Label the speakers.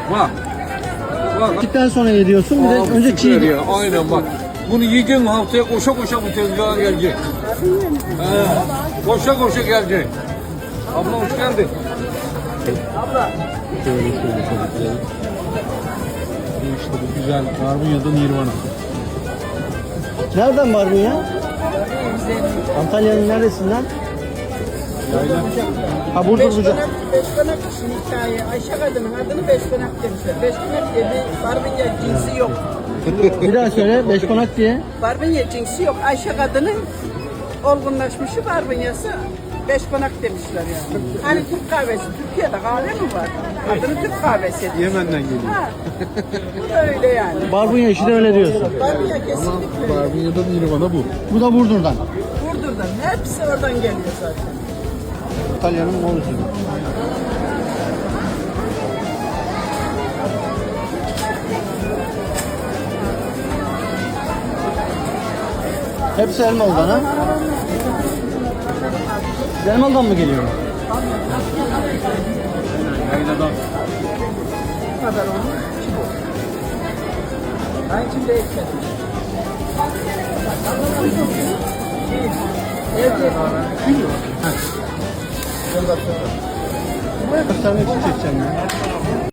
Speaker 1: Bak. Bak.
Speaker 2: Gittikten sonra yediyorsun. Bir de
Speaker 1: Abi
Speaker 2: önce
Speaker 1: süper
Speaker 2: çiğ.
Speaker 1: ya. Aynen bak. Bunu yiyeceksin haftaya koşa koşa bu tezgaha gelecek. Koşa koşa gelecek. Abla hoş geldin.
Speaker 2: Şöyle çocuklar. İşte bu güzel barbunya'da Nirvana. Nereden barbunya? Antalya'nın neresinden?
Speaker 1: Yayla.
Speaker 2: Ha burada burada.
Speaker 3: Beşkonak için hikaye. Ayşe kadının adını Beşkonak demişler. Beşkonak diye bir barbunya cinsi yok.
Speaker 2: Bir daha söyle. Beşkonak diye.
Speaker 3: Barbunya cinsi yok. Ayşe kadının olgunlaşmışı barbunyası Beşkonak demişler yani. Hani Türk kahvesi. Türkiye'de kahve mi var? Adını Türk kahvesi diyor.
Speaker 1: Yemen'den geliyor.
Speaker 3: Ha. Bu da öyle yani.
Speaker 2: Barbunya işi de öyle diyorsun.
Speaker 3: Barbunya kesinlikle.
Speaker 1: Barbunya'da Nirvana bu.
Speaker 2: Bu da Burdur'dan.
Speaker 3: Burdur'dan. Hepsi oradan geliyor zaten.
Speaker 2: İtalya'nın morusu. Hepsi Elmalı'dan ha? Siz Elmalı'dan mı geliyor?
Speaker 1: Yayladan.
Speaker 3: Bu kadar onun içi bu. Ben içinde ekmedim. Evet.
Speaker 2: Göstermek için çekeceğim ya.